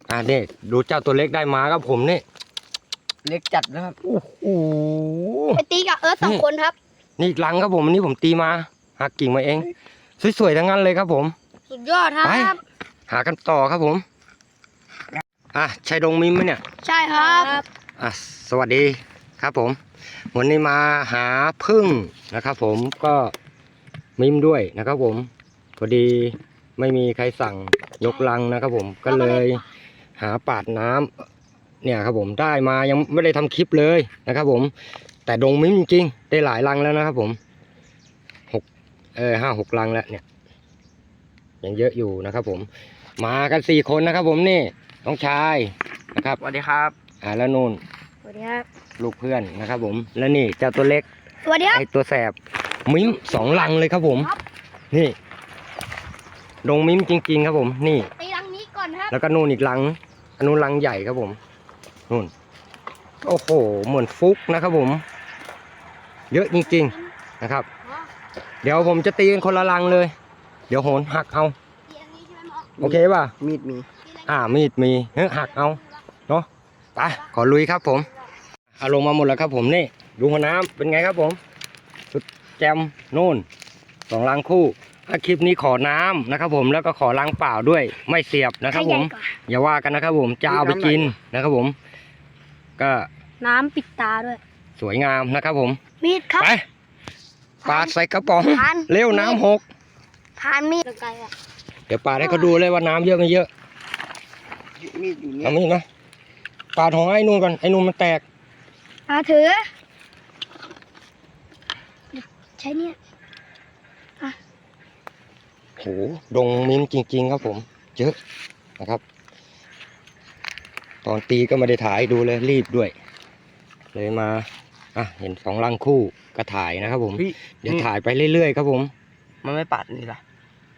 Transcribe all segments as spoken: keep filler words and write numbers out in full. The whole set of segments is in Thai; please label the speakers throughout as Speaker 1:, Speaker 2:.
Speaker 1: อ่านี่ดูเจ้าตัวเล็กได้มาครับผมนี่
Speaker 2: เล็กจัดนะครับ
Speaker 1: โอ้โห
Speaker 3: ไปตีกับเอิร์ธสองคนครับ
Speaker 1: นี่อีกลังครับผมอันนี้ผมตีมาหักกิ่งมาเองสวยๆทั้งนั้นเลยครับผม
Speaker 3: สุดยอดครับ
Speaker 1: ไปหากันต่อครับผมอ่ะใช่ดงมิมไหมเนี่ย
Speaker 3: ใช่ครับ
Speaker 1: อ่ะสวัสดีครับผมวันนี้มาหาพึ่งนะครับผมก็มิมด้วยนะครับผมพอดีไม่มีใครสั่งยกลังนะครับผมก็เลยหาปาดน้ำเนี่ยครับผมได้มายังไม่ได้ทำคลิปเลยนะครับผมแต่ดงมิมจริงๆได้หลายลังแล้วนะครับผมหกเออห้าหกลังแล้วเนี่ยยังเยอะอยู่นะครับผมมากันสี่คนนะครับผมนี่น้องชายนะครับ
Speaker 2: สวัสดีครับ
Speaker 1: อ่าแล้วนู่น
Speaker 3: สวัสดีครับ
Speaker 1: ลูกเพื่อนนะครับผมแล้วนี่เจ้าตัวเล็ก
Speaker 3: สวัสดีครับ
Speaker 1: ไอตัวแสบมิ้มสองลังเลยครับผมนี่ดงมิ้มจริงๆครับผมนี่
Speaker 3: ตีลังนี้ก่อนครับ
Speaker 1: แล้วก็นู่นอีกลังอันนู้นลังใหญ่ครับผมนู่นโอ้โหเหมือนฟุกนะครับผมเยอะจริงๆนะครับเดี๋ยวผมจะตีกันคนละลังเลยเดี๋ยวโหนหักเอาโอเคป่ะ
Speaker 2: มีดมี
Speaker 1: อ่ามีดมีเฮ้ยหักเอาเนาะไปขอลุยครับผมเอาลงมาหมดแล้วครับผมนี่ดูหัวน้ำเป็นไงครับผมสุดแจมนู่นสองลังคู่ถ้าคลิปนี้ขอน้ำนะครับผมแล้วก็ขอลังเปล่าด้วยไม่เสียบนะครับผมอย่าว่ากันนะครับผมจะเอาไปกินนะครับผมก็
Speaker 3: น้ำปิดตาด้วย
Speaker 1: สวยงามนะครับผม
Speaker 3: มีดครับ
Speaker 1: ไปปาดใส่กระป๋องเร็วน้ำหก
Speaker 3: พานมีดไกลอ่ะ
Speaker 1: เดี๋ยวปาดให้เขาดูเลยว่าน้ำเยอะไม่เยอะ
Speaker 2: มีดอยู่เนี่ย
Speaker 1: เอามีดนะปาดของไอ้นู่นก่อนไอ้นู่นมันแตก
Speaker 3: อ่าถือใช้เนี่ยอ่ะ
Speaker 1: โหดงมิ้มจริงๆครับผมเยอะนะครับตอนตีก็ไม่ได้ถ่ายดูเลยรีบด้วยเลยมาอ่ะเห็นสองลังคู่ก็ถ่ายนะครับผมเดี๋ยวถ่ายไปเรื่อยๆครับผม
Speaker 2: มันไม่ปัดนี่ล่ะ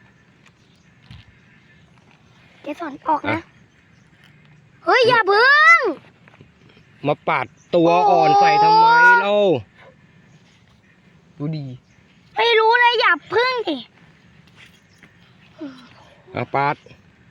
Speaker 3: เกสรออกนะเฮ้ยอย่าเพิ่ง
Speaker 1: มาปาดตัวอ่อนใส่ทำไมเล่า
Speaker 2: ดูดี
Speaker 3: ไม่รู้เลยอย่าพึ่งดิ
Speaker 1: อาปาด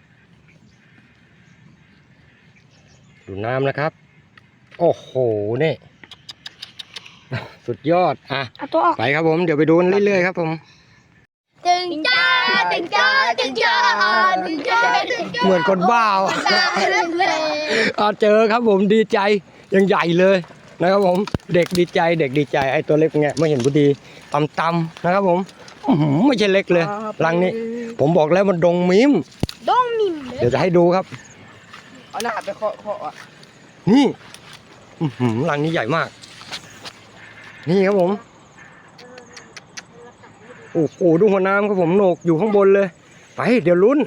Speaker 1: ดูน้ำนะครับโอ้โหนี่สุดยอดอ่ะไปครับผมเดี๋ยวไปดูเรื่อยๆครับผม
Speaker 3: ตึงจ้าตึงจ้าตึงจ้าตึงจ้า
Speaker 1: เหมือนคนบ้าอ่ะเจอครับผมดีใจยังใหญ่เลยนะครับผมเด็กดีใจเด็กดีใจไอ้ตัวเล็กไงไม่เห็นพอดีตำๆนะครับผมไม่ใช่เล็กเลยรังนี้ผมบอกแล้วมันดงมิม
Speaker 3: ดงมิม
Speaker 1: เดี๋ยวจะให้ดูครับ
Speaker 2: เอาหน้าไปเคาะเคาะอ่ะ
Speaker 1: นี่รังนี้ใหญ่มากนี่ครับผมโอ้โหดูหัวน้ำครับผมโหนกอยู่ข้างบนเลยไปเดี๋ยวลุ้น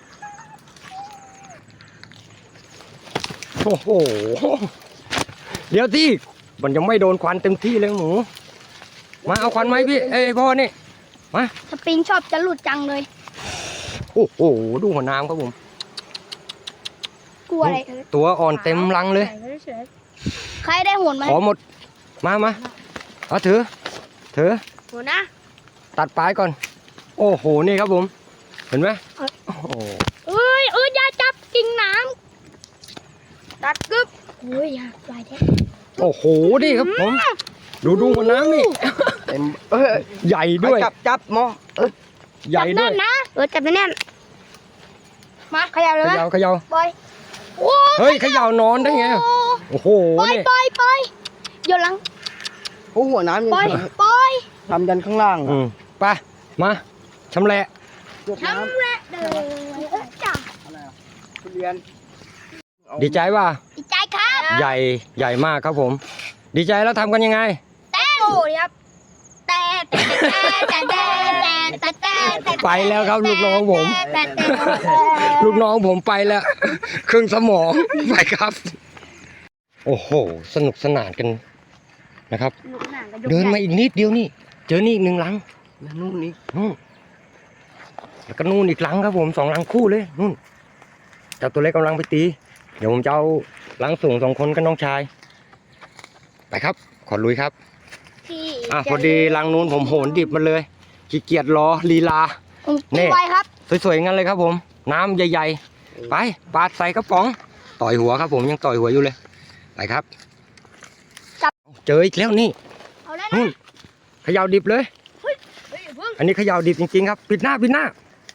Speaker 1: โอ้โหเดี๋ยวที่มันยังไม่โดนควันเต็มที่เลยหมูมาเอาควันไหมพี่เอ้ยพ่อนี่มา
Speaker 3: สปริงชอบจะหลุดจังเลย
Speaker 1: โอ้โหดูหัวน้ำครับผม
Speaker 3: กลัวอะไร
Speaker 1: ตัวอ่อนเต็มรังเลย
Speaker 3: ใครได้หัวไหม
Speaker 1: ขอหมดมามาเอาถือถือ
Speaker 3: หัวนะ
Speaker 1: ตัดปลายก่อนโอ้โหนี่ครับผมเห็นไหมโอ้โห
Speaker 3: เอ้ยเอ้ยอย่าจับกิ่งน้ำตัดกึ๊บโอ้ยอย่าปล่อยแท้
Speaker 1: โอ้โหนี่ครับผมดูดูหัวน้ำนี่
Speaker 2: เต็มเออ
Speaker 1: ใหญ่ด้วย
Speaker 2: จับจับมอเออ
Speaker 1: ใหญ่ด้วย
Speaker 3: นะเออจับแน่นมาขยับเลย
Speaker 1: ขยับขยับ
Speaker 3: ปล่อย
Speaker 1: เฮ้ยขยับนอนได้ไงโอ้โห
Speaker 3: ปล่อยปล่อยปล่อยโยนหลัง
Speaker 2: โอ้หัวน้ำยัง
Speaker 3: ปล่อยปล่อย
Speaker 2: ทำยันข้างล่าง
Speaker 1: อืมไปมาชำแหละ
Speaker 3: ชำแหละเด้อจ้า
Speaker 2: ทุเรียน
Speaker 1: ดีใจป่ะ
Speaker 3: ดีใจครับ
Speaker 1: ใหญ่ใหญ่มากครับผมดีใจแล้วทำกันยังไง
Speaker 3: เต้นครับแต่แต่แต่แต่แต่แต่แต่
Speaker 1: ไปแล้วครับลูกน้องผมลูกน้องผมไปแล้วครึ่งสมองไปครับโอ้โหสนุกสนานกันนะครับเดินมาอีกนิดเดียวนี่เจอนี่อีกหนึ่งลัง
Speaker 2: นู่นนี่
Speaker 1: นู่นแล้วก็นู่นอีกลังครับผมสองลังคู่เลยนู่นเจ้าตัวเล็กกำลังไปตีเดี๋ยวผมจะเอาลังสูงสองคนกับน้องชายไปครับขอลุยครับอ่ะพอดีลังนู้นผมโหนดิบมาเลยขี้เกียจรอลีลา
Speaker 3: นี่ครับ
Speaker 1: สวยๆงั้นเลยครับผมน้ำใหญ่ไปปาดใส่กระป๋องต่อยหัวครับผมยังต่อยหัวอยู่เลยไปครับ
Speaker 3: จับ
Speaker 1: เจออีกแล้วนี่
Speaker 3: เอาแล้ว
Speaker 1: นู่
Speaker 3: นะ
Speaker 1: นเขย่าดิบเลย
Speaker 3: เฮ้ยอย่าเพิ่ง
Speaker 1: อันนี้เขย่าดิบจริงๆครับปิดหน้าปิดหน้า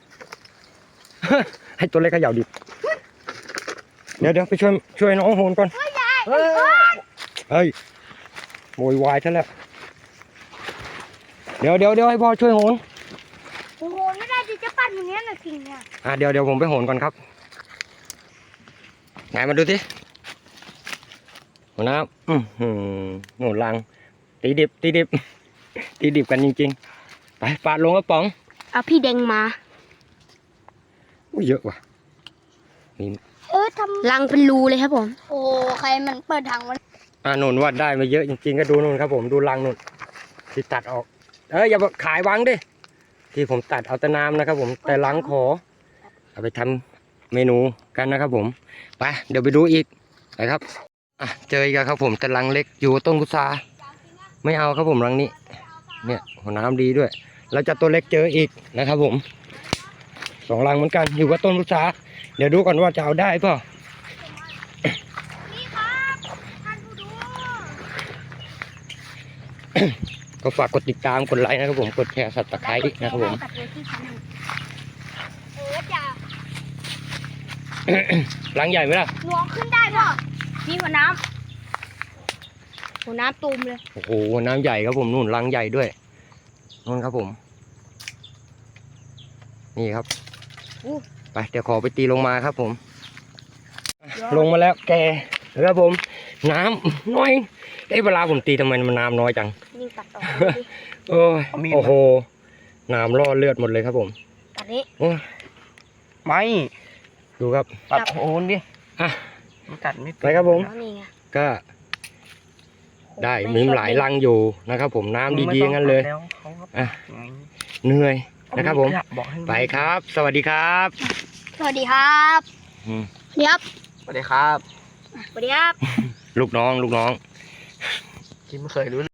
Speaker 1: ให้ตัวเล็กเขย่าดิบเดี๋ยวเดี๋ยวไปช่วยช่วยน้องโหนก่อน
Speaker 3: เฮ้ยยาย
Speaker 2: เฮ้ย
Speaker 1: เฮ้ยโวยวายซะแล้วเดี๋ยวเดี๋ยวเดี๋ยวให้พ่อช่วยโหน
Speaker 3: โอ้โหไม่ได้ดิจะปั่นอย่างเนี้ยนะกิ่งเนี่ย
Speaker 1: อ่ะเดี๋ยวเดี๋ยวผมไปโหนก่อนครับไงมาดูสิหัวหน้าอือหือโหนลังตีดิบตีดิบ ตีดิบกันจริงๆไปปาดลงกระป๋อง
Speaker 3: เอาพี่แดงมา
Speaker 1: อุ้ยเยอะว่ะนี่
Speaker 3: เออทำรังเป็นรูเลยครับผมโอ้ใครมันเปิดทางมัน
Speaker 1: อ่าหนุนวัดได้มาเยอะจริงๆก็ดูนู่นครับผมดูรังนู่นที่ตัดออกเอออย่าขายวังดิที่ผมตัดเอาแต่น้ำนะครับผมแต่รังขอเอาไปทำเมนูกันนะครับผมไปเดี๋ยวไปดูอีกไปครับอ่ะเจออีกแล้วครับผมแต่รังเล็กอยู่ต้นพุทราไม่เอาครับผมรังนี้เนี่ยหัวน้ำดีด้วยแล้วจะตัวเล็กเจออีกนะครับผมสองรังเหมือนกันอยู่กับต้นพุทราเดี๋ยวดูก่อนว่าจะเอาได้เปล่า
Speaker 3: นี่ครับท่านผู้ดู
Speaker 1: ก็ฝากกดติดตามกดไลค์นะครับผมกดแชร์สับตะไคร้นะครับผม
Speaker 3: เออจะ
Speaker 1: รังใหญ่ไหมล่ะ
Speaker 3: หนูขึ้นได้ป่ะนี่หัวน้ำหัวน้ำตูมเลย
Speaker 1: โอ้โหน้ำใหญ่ครับผมนู่นรังใหญ่ด้วยนู่นครับผม นี่ครับไปเดี๋ยวขอไปตีลงมาครับผม ลงมาแล้วแกนะครับผม น้ำน้อยเอ้เวลาผมตีทำไมมันน้ำน้อยจัง
Speaker 3: นี่ตัดออกดิ
Speaker 1: โอ้ยโอ้โหน้ำล่อเลือดหมดเลยครับผม
Speaker 3: ตัดนี้
Speaker 1: โอ้ย
Speaker 2: ไม่
Speaker 1: ดูครับ
Speaker 2: ตัดโคนดิ
Speaker 1: อ่ะ
Speaker 2: มันกัดไม่
Speaker 1: ไปครับผม
Speaker 3: แล้วนี่ไง
Speaker 1: ก็ได้มีหลายรังอยู่นะครับผมน้ำดีๆงั้นเลย
Speaker 2: แล้วเขาก็
Speaker 1: อ่ะ
Speaker 2: ไง
Speaker 1: เหนื่อยนะครับผม
Speaker 2: บอกให้
Speaker 1: ไปครับ สวัสดีครับ
Speaker 3: สวัสดีครับ
Speaker 1: อืม
Speaker 3: เดี๋ยว
Speaker 2: สวัสดีครับ
Speaker 3: สวัสดีครับ
Speaker 1: ลูกน้องลูกน้อง
Speaker 2: กินไม่เคยรู้